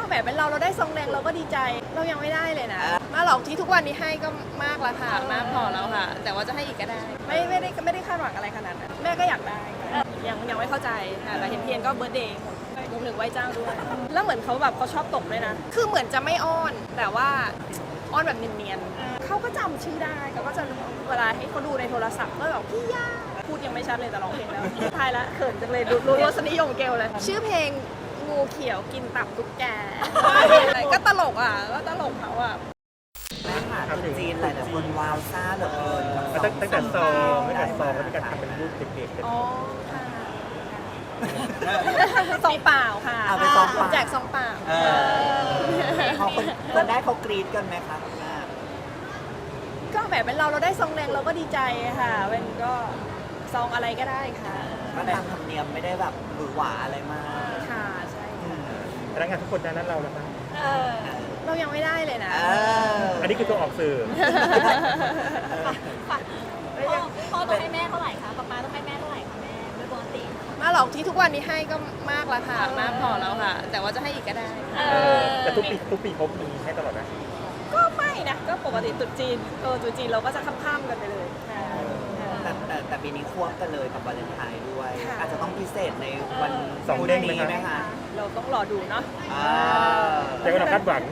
แบบเป็นเราได้ทรงแดงเราก็ดีใจเรายังไม่ได้เลยนะมาหรอกที่ทุกวันนี้ให้ก็มากแล้วค่ะมากพอแล้วค่ะแต่ว่าจะให้อีกก็ได้ไม่ได้คาดหวังอะไรขนาดนั้นแม่ก็อยากได้ยังไม่เข้าใจค่ะแต่เห็นเทียนก็เบิร์ธเดย์รวมถึงไหว้เจ้าด้วยแล้วเหมือนเขาแบบเขาชอบตกด้วยนะคือเหมือนจะไม่อ้อนแต่ว่าอ้อนแบบเนียนๆเขาก็จำชื่อได้เขาก็จะเวลาให้เขาดูในโทรศัพท์ก็แบบพี่ย่าพูดยังไม่ชัดเลยแต่ร้องเพลงแล้วทายละเขินจังเลยดูรสนิยมเกลเลยชื่อเพลงงูเขียวกินตับตุ๊กแกก็ตลกอ่ะก็ตลกเขาอ่ะแม่ค่ะคนจีนหลายๆคนว้าวซ่าเหลือเกินตั้งแต่ซองแล้วมีการทำเป็นรูปเด็กๆกันอ๋อค่ะซองเปล่าค่ะเอาไปซองเปล่าแจกซองเปล่าเขาคนได้เขากรี๊ดกันไหมคะก็แบบเป็นเราได้ซองแดงเราก็ดีใจค่ะเป็นก็ซองอะไรก็ได้ค่ะก็ตามธรรมเนียมไม่ได้แบบหวือหวาอะไรมากค่ะใช่ค่ะพนักงานทุกคนนั้นเราแล้วนะเรายังไม่ได้เลยนะอันนี้คือตัวออกสื่อพ่อต้องให้แม่เท่าไหร่คะป๊าต้องให้แม่เท่าไหร่คะแม่โดยปกติมาหรอกที่ทุกวันนี้ให้ก็มากแล้วค่ะมากพอแล้วค่ะแต่ว่าจะให้อีกก็ได้แต่ทุกปีเขามีให้ตลอดนะก็ไม่นะก็ปกติตุ๊จีนเราก็จะข้ามกันไปเลยแต่ปีนี้ควบกันเลยกับวาเลนไทน์ด้วยอาจจะต้องพิเศษในวันสองเด้งไหมคะเราต้องรอดูเนาะแต่ว่าเราคาดหวัง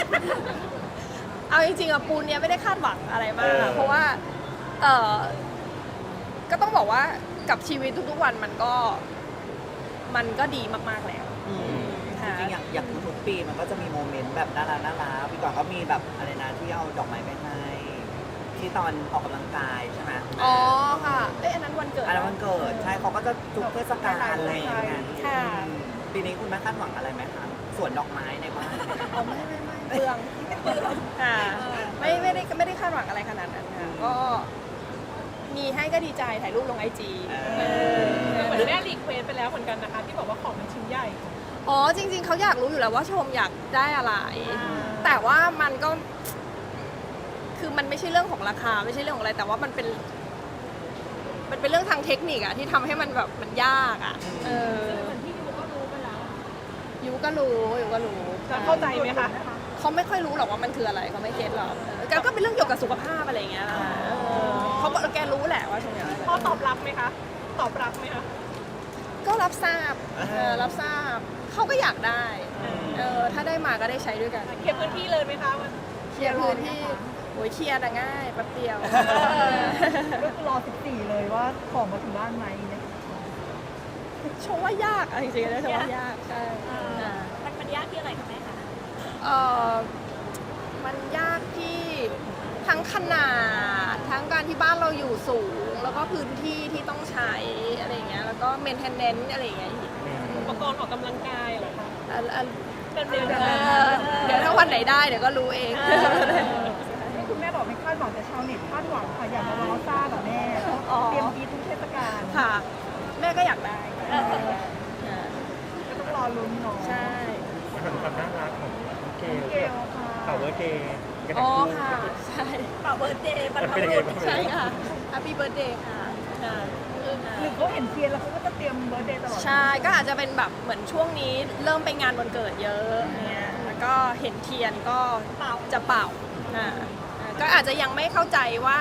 เอาจริงๆอะปูนเนี้ยไม่ได้คาดหวังอะไรมากเพราะว่าก็ต้องบอกว่ากับชีวิตทุกๆวันมันก็ดีมากๆแล้วจริงๆอย่างทุกปีมันก็จะมีโมเมนต์แบบน่ารักพี่ก่อนก็มีแบบอะไรนะที่เอาดอกไม้ไปให้ที่ตอนออกกำลังกายใช่ไหมอ๋อค่ะอันนั้นวันเกิดอันนั้นวันเกิดใช่เขาก็จะทุกเทศกาลอะไรอย่างเงี้ยค่ะปีนี้คุณแม่คาดหวังอะไรไหมคะสวนดอกไม้ในบ้านไม่เปลืองค่ะไม่ได้คาดหวังอะไรขนาดนั้นค่ะก็มีให้ก็ดีใจถ่ายรูปลงIG เหมือนแม่รีเควสไปแล้วเหมือนกันนะคะที่บอกว่าของมันชิ้นใหญ่อ๋อจริงๆเขาอยากรู้อยู่แล้วว่าชมอยากได้อะไรแต่ว่ามันก็คือมันไม่ใช่เรื่องของราคาไม่ใช่เรื่องของอะไรแต่ว่ามันเป็นเรื่องทางเทคนิคอะที่ทำให้มันแบบมันยากอะเหมือนที่ยูก็รู้ไปแล้วยูก็รู้เข้าใจไหมคะเขาไม่ค่อยรู้หรอกว่ามันคืออะไรเขาไม่เก็ตหรอกก็เป็นเรื่องเกี่ยวกับสุขภาพอะไรอย่างเงี้ยเขาก็แกรู้แหละว่าชมอยากได้พ่อตอบรับไหมคะตอบรับไหมคะก็รับทราบเขาก็อยากได้ถ้าได้มาก็ได้ใช้ด้วยกันเคลียร์พื้นที่เลยไหมคะเคลียร์พื้นที่โอ้ยเคลียร์แต่ง่ายแป๊บเดียวก็คือรอ14เลยว่าของมาถึงบ้านไหมเนี่ยชมว่ายากจริงๆนะชมว่ายากใช่มันยากที่อะไรคะแม่คะมันยากที่ทั้งขนาดทั้งการที่บ้านเราอยู่สูงแล้วก็พื้นที่ที่ต้องใช้อะไรอย่างเงี้ยแล้วก็เมนเทนเนนซ์อะไรอย่างเงี้ยอุปกรณ์ออกกำลังกายเหรอคะเดี๋ยวถ้าวันไหนได้เดี๋ยวก็รู้เองที่คุณแม่บอกไม่คาดหวังแต่ชาวเน็ตคาดหวังค่ะอยากมาว้าวซ่าแบบแม่เตรียมกีทุกเทศกาลค่ะแม่ก็อยากได้ก็ต้องรอลุ้นเนาะใช่ความน่ารักของเกลเป่าเบอร์เดย์อ๋อค่ะใช่เป่าเบอร์เดย์มันเป็นยังไงบ้างใช่ค่ะ Happy Birthday ค่ะหรือเขาเห็นเทียนแล้วเขาก็จะเตรียมเบอร์เดย์ตลอดใช่ก็อาจจะเป็นแบบเหมือนช่วงนี้เริ่มไปงานวันเกิดเยอะเนี่ยแล้วก็เห็นเทียนก็จะเป่าก็อาจจะยังไม่เข้าใจว่า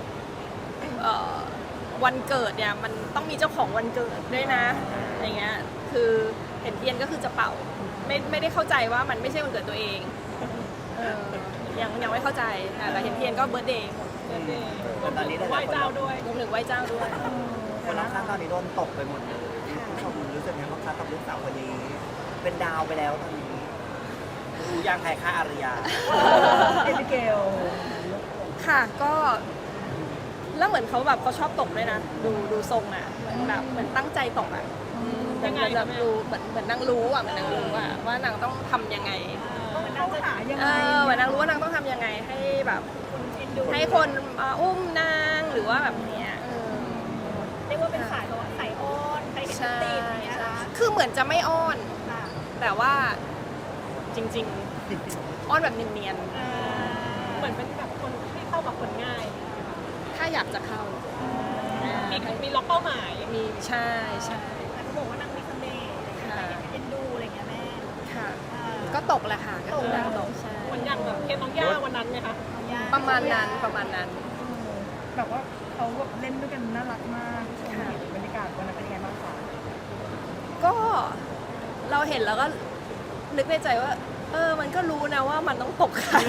วันเกิดเนี่ยมันต้องมีเจ้าของวันเกิดด้วยนะอย่างเงี้ยคือเห็นเทียนก็คือจะเป่าไม่ได้เข้าใจว่ามันไม่ใช่วันเกิดตัวเองยังไม่เข้าใจแต่เห็นเทียนก็เบิร์ธเดย์ตอนนี้ไหว้เจ้าด้วยรวมถึงไหว้เจ้าด้วยคนรักตอนนี้โดนตกไปหมดเลยผู้ชมรู้สึกไงบ้างคะกับลูกสาวคนนี้เป็นดาวไปแล้วตอนนี้รู้ยังใครฆ่าอารยาเอมิเกลค่ะก็แล้วเหมือนเขาแบบเขาชอบตกด้วยนะดูทรงอ่ะเหมือนตั้งใจตกอ่ะแบบดูเหมือนนางรู้อ่ะว่านางต้องทำยังไงต้องหายังไงเหมือนนางรู้ว่านางต้องทำยังไงให้แบบให้คนอุ้มนางหรือว่าแบบเนี้ยเรียกว่าเป็นสายแบบสายอ้อนไปเห็นตีนอย่างเงี้ยนะคือเหมือนจะไม่อ้อนแต่ว่าจริงๆอ้อนแบบเนียนๆเหมือนเป็นแบบคนที่เข้ากับคนง่ายถ้าอยากจะเข้ามีล็อกเป้าหมายมีใช่แต่เขาบอกว่านางมีเสน่ห์เอ็นดูอะไรเงี้ยแม่ค่ะก็ตกแหละค่ะก็คือดาวตกใช่เหมือนอย่างแบบเคสน้องย่าวันนั้นไหมคะประมาณนั้นประมาณนั้นแบบว่าเขาแบบเล่นด้วยกันน่ารักมากบรรยากาศวันนั้นเป็นยังไงบ้างคะก็เราเห็นแล้วก็นึกในใจว่า มันก็รู้นะว่ามันต้องตกใคร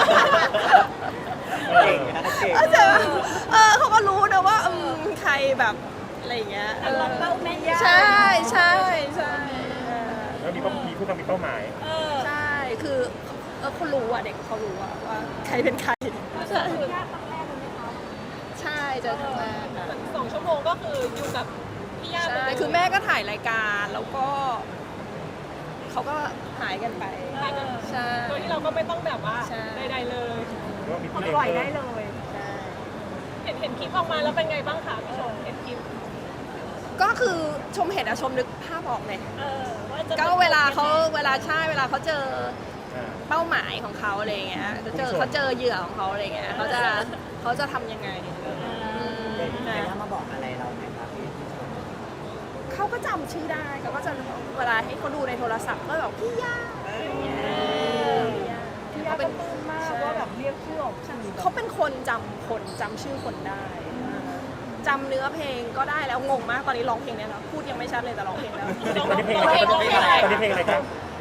เก่งนะเก่งเข้าใจปะเขาก็รู้นะว่าใครแบบอะไรอย่างเงี้ยเป้าแม่ใช่ใช่ใช่แล้วมีผู้กำกับเป้าหมายใช่คือเขารู้อ่ะเด็กเขารู้อะว่าใครเป็นใครใช่ใช่เจอครั้งแรกค่ะ 2 ชั่วโมงก็คืออยู่กับพี่ย่าใช่คือแม่ก็ถ่ายรายการแล้วก็เขาก็หายกันไปใช่โดยที่เราก็ไม่ต้องแบบว่าใช่ใดๆเลยหรือว่ามีผู้ปล่อยได้เล่นเลยใช่เห็นคลิปออกมาแล้วเป็นไงบ้างคะพี่ชมเห็นคลิปก็คือชมเห็นอะชมนึกภาพออกเลยว่าจะก็เวลาเขาเจออ่าเป้าหมายของเขาอะไรเงี้ยเขาเจอเหยื่อของเขาอะไรเงี้ยเขาจะทำยังไงยาย่ามาบอกอะไรเราไหมครับพี่ชมเขาก็จำชื่อได้เขาก็จะเวลาให้เขาดูในโทรศัพท์ก็แบบพี่ย่าอะไรเงี้ยพี่ยาก็ปลื้มมากว่าแบบเรียกชื่อออกสื่อเขาเป็นคนจำชื่อคนได้จำเนื้อเพลงก็ได้แล้วงงมากตอนนี้ร้องเพลงได้แล้วพูดยังไม่ชัดเลยแต่ร้องเพลงแล้วตอนนี้เพลงอะไรตอนนี้เพลงอะไรครับ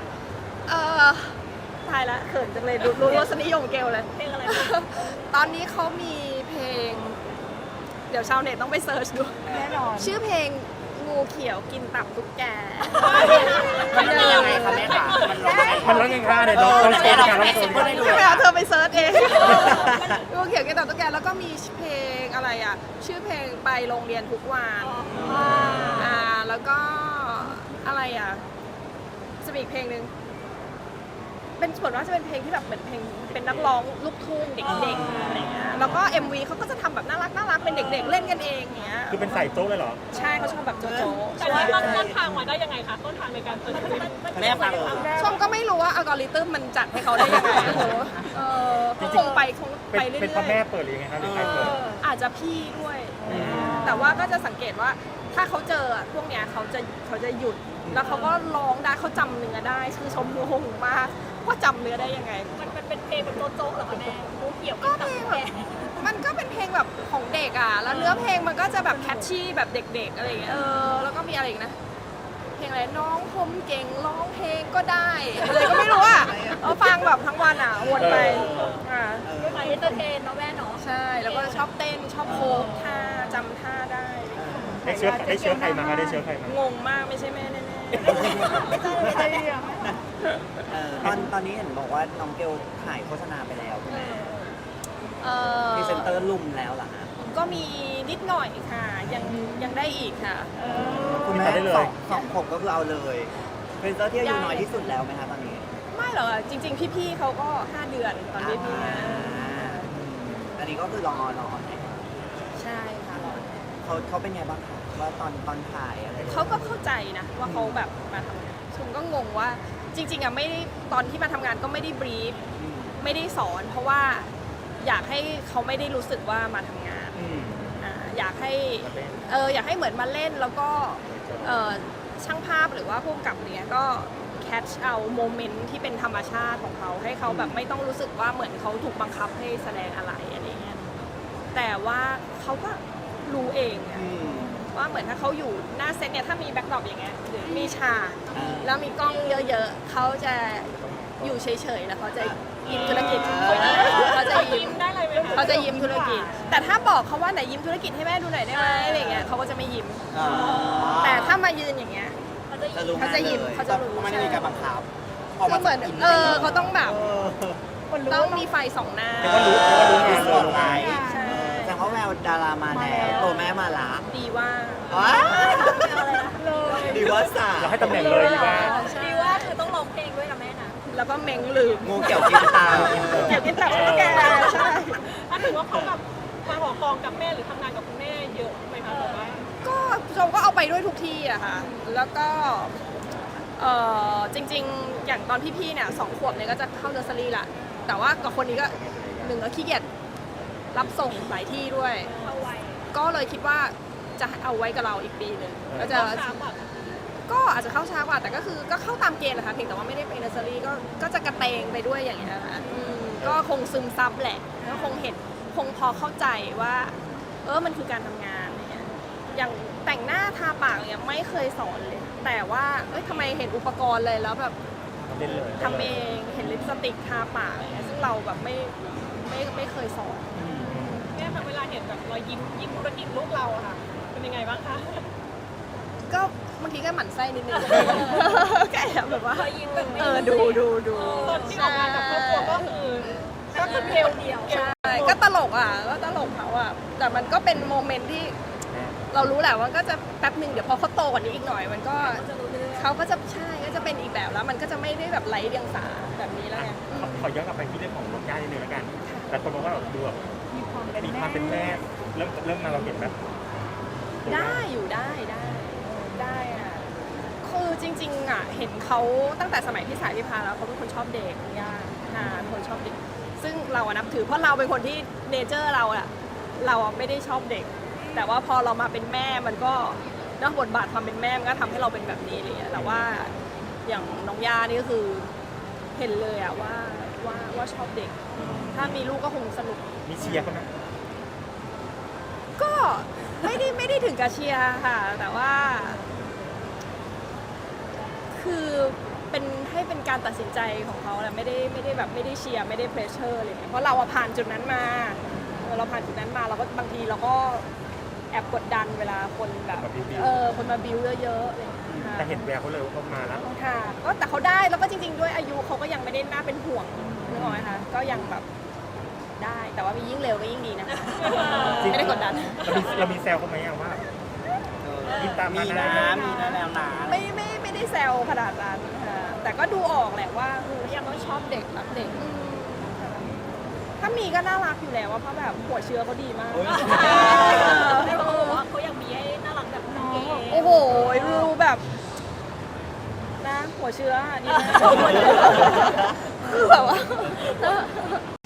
ตายละเขินจังเลยรู้รสนิยมเกลเลยเพลงอะไรตอนนี้เขามีเพลง เดี๋ยวชาวเน็ตต้องไปเซิร์ชดูแน่นอนชื่อเพลงงูเขียวกินตับตุ๊กแกมันเป็นยังไงคะแม่คะมันร้องไงมันร้องยังไงคะเนี่ยลองโชว์ในการร้องโชว์ได้ดูใช่ไหมคะเธอไปเซิร์ชเองงูเขียวกินตับตุ๊กแกแล้วก็มีเพลงอะไรอ่ะ ชื่อเพลงไปโรงเรียนทุกวันแล้วก็อะไรอ่ะจะมีอีกเพลงหนึ่งเป็นส่วนมากจะเป็นเพลงที่แบบเหมือนเพลงเป็นนักร้องลูกทุ่งเด็กๆอะไรเงี้ยแล้วก็ MV เขาก็จะทำแบบน่ารักเป็นเด็กๆเล่นกันเองอย่างเงี้ยคือเป็นใส่โจ๊กเลยเหรอใช่เขาชอบแบบโจ๊ะแต่ว่าต้นทางมาได้ยังไงคะต้นทางในการเปิดคลิปแม่ฟังชมก็ไม่รู้ว่าอัลกอริทึมมันจัดให้เขาได้ยังไงโอ้โหก็คงไปเรื่เป็นพ่ออยแม่เปิดหรือยังไงครับหรือใครเปิดๆอาจจะพี่ด้วย แต่ว่าก็จะสังเกตว่าถ้าเขาเจอพวกเนี้ยเขาจะหยุด แล้วเขาก็ร้องได้เขาจำเนื้อได้คือชมงงมากว่าจำเนื้อได้ยังไงมันเป็นเพลงแบบโจ๊กเหรอคะแม่งูเขียวก็เพลงแบบมันก็เป็นเพลงแบบของเด็กอ่ะ แล้วเนื้อเพลงมันก็จะแบบแคชชี่แบบเด็กๆอะไรอย่างเงี้ยแล้วก็มีอะไรอีกนะ เพลงอะไรน้องผมเก่งร้องเพลงก็ได้อะไรก็ไม่รู้อ่ะฟังแบบทั้งวันอ่ะวนไปอ่าไปเอนเตอร์เทนเนาะแม่เนาะใช่แล้วก็ชอบเต้นชอบโค้งท่าจำท่าได้ได้เชื้อใครมาคะได้เชื้อใครมางงมากไม่ใช่แม่แน่ไม่ใช่เรียกตอนนี้เห็นบอกว่าน้องเกลถ่ายโฆษณาไปแล้วใช่ไหมๆพรีเซนเตอร์ลุมแล้วเหรอฮะก็มีนิดหน่อยค่ะยังได้อีกค่ะคุณแม่สองผมก็คือเอาเลยพรีเซนเตอร์ที่อายุน้อยที่สุดแล้วไหมคะตอนนี้ไม่หรอกอะจริง ๆ พี่ๆเขาก็ 5 เดือนตอนพี่ๆนะอันนี้ก็คือรอไหนใช่ค่ะรอเขาเป็นไงบ้างคะว่าตอนถ่ายอะไรเขาก็เข้าใจนะว่าเขาแบบมาทำงานชมก็งงว่าจริงๆอะไม่ได้ตอนที่มาทำงานก็ไม่ได้บรีฟไม่ได้สอน เพราะว่าอยากให้เขาไม่ได้รู้สึกว่ามาทำงานอยากให้อยากให้เหมือนมาเล่นแล้วก็ช่างภาพหรือว่าผู้กำกับเนี้ยก็แคชเอาโมเมนต์ที่เป็นธรรมชาติของเขาให้เขาแบบไม่ต้องรู้สึกว่าเหมือนเขาถูกบังคับให้แสดงอะไรอะไรเงี้ยแต่ว่าเขาก็รู้เองอะว่าเหมือนถ้าเขาอยู่หน้าเซตเนี่ยถ้ามีแบ็คดรอปอย่างเงี้ยหรือมีฉากแล้วมีกล้องเยอะๆเขาจะอยู่เฉยๆแล้วเขาจะยิ้มธุรกิจเขาจะยิ้มได้เลยไหมคะเขาจะยิ้มธุรกิจ แต่ถ้าบอกเขาว่าไหนยิ้มธุรกิจให้แม่ดูหน่อยได้ไหมอะไรเงี้ยเขาก็จะไม่ยิ้ม แต่ถ้ามายืนอย่างเงี้ยจะรู้เขาจะยิ้มเขาจะรู้ไม่ได้มีการบังคับคือเหมือนเขาต้องแบบต้องมีไฟสองหน้าแต่ว่ารู้งานเลยไงใช่แต่เขาแววดารามาแล้วตัวแม่มาละดีว่าดีว่าสาเราให้ตำแหน่งเลยดีว่าดีว่าคือต้องร้องเพลงด้วยนะแม่นะแล้วก็เม้งลืมงูเกี่ยวกินตาเกี่ยวกินตับตุ๊กแกใช่ถ้าถือว่าเขาแบบมาหอกองกับแม่หรือทำงานกับคุณแม่เยอะไหมคะหรือว่าก็ชมก็เอาไปด้วยทุกที่อะค่ะ แล้วก็จริงๆ อย่างตอนพี่ๆเนี่ย2 ขวบเนี่ยก็จะเข้าเนอร์เซอรี่ละแต่ว่ากับคนนี้ก็1ก็ขี้เกียจรับส่งหลายที่ด้วยเอาไว้ก็เลยคิดว่าจะเอาไว้กับเราอีกปีหนึ่งก็จะก็อาจจะเข้าช้ากว่าแต่ก็คือก็เข้าตามเกณฑ์แหละค่ะเพียงแต่ว่าไม่ได้ไปเนอร์เซอรี่ก็จะกระเตงไปด้วยอย่างเงี้ยค่ะก็คงซึมซับแหละแล้วคงเห็นคงพอเข้าใจว่ามันคือการทำงานอะไรเงี้ยอย่างแต่งหน้าทาปากเนี่ยไม่เคยสอนเลย แต่ว่าทำไมเห็นอุปกรณ์เลยแล้วแบบเล่นเลยทำเองเห็นลิปสติกทาปากอะไรเงี้ยซึ่งเราแบบไม่เคยสอนแม่คะเวลาเห็นแบบรอยยิ้มธุรกิจลูกเราอะค่ะ เป็นยังไงบ้างคะก็บางทีก็หมั่นไส้นิดนึงแค่แบบว่ายิ้มแบบไม่ดูตอนที่ออกมาจากครอบครัวก็คือเกลเดียวใช่ก็ตลกก็ตลกเขาแต่มันก็เป็นโมเมนต์ที่เรารู้แหละว่าก็จะแป๊บหนึ่งเดี๋ยวพอเขาโตกว่านี้อีกหน่อย มันก็เขาก็จะใช่ก็จะเป็นอีกแบบแล้วมันก็จะไม่ได้แบบไร้เดียงสาแบบนี้แล้วไงขอย้อนกลับไปที่เรื่องของน้องย่านิดนึงแล้วกัน แต่คนบอกว่าแบบดูแบบมีความเป็นมีความเป็นแม่เริ่มมาเราเห็นแบบได้อยู่ได้อะคือจริงๆเห็นเขาตั้งแต่สมัยพี่สายพี่พาแล้วเขาเป็นคนชอบเด็กย่าเป็นคนชอบเด็ก ซึ่งเรานับถือเพราะเราเป็นคนที่เนเจอร์เราไม่ได้ชอบเด็ก แต่ว่าพอเรามาเป็นแม่มันก็เนอะบทบาทความเป็นแม่มันก็ทำให้เราเป็นแบบนี้เลยแต่ว่าอย่างน้องย่านี่ก็คือเห็นเลยว่าชอบเด็ก ถ้ามีลูกก็คงสนุกมีเชียร์เขาไหมก็ไม่ได้ถึงกับเชียร์ค่ะ แต่ว่า คือให้เป็นการตัดสินใจของเขาแหละไม่ได้แบบไม่ได้เชียร์ไม่ได้เพรสเชอร์อะไรเลยเพราะเราผ่านจุดนั้นมาเราผ่านจุดนั้นมาเราก็บางทีเราก็แอบกดดันเวลาคนแบบคนมาบิวเยอะๆอะไรอย่างเงี้ยค่ะแต่เห็นแววเขาเลยว่าเขามาแล้วค่ะก็แต่เขาได้แล้วก็จริงๆด้วยอายุเขาก็ยังไม่ได้น่าเป็นห่วงนึกออกไหมคะก็ยังแบบได้แต่ว่ามียิ่งเร็วก็ยิ่งดีนะคะไม่ได้กดดันเรามีแซวเขาไหมอะว่า มีตามมานะมีนะแล้วนะไม่ได้แซวขนาดนั้นค่ะแต่ก็ดูออกแหละว่ายังต้องชอบเด็กรักเด็กถ้ามีก็น่ารักอยู่แล้วว่าเพราะแบบหัวเชื้อเขาดีมากแต่เขาบอกว่าเขาอยากมีให้น่ารักแบบน้องโอ้โหดูแบบนะหัวเชื้อดีมากคือแบบว่า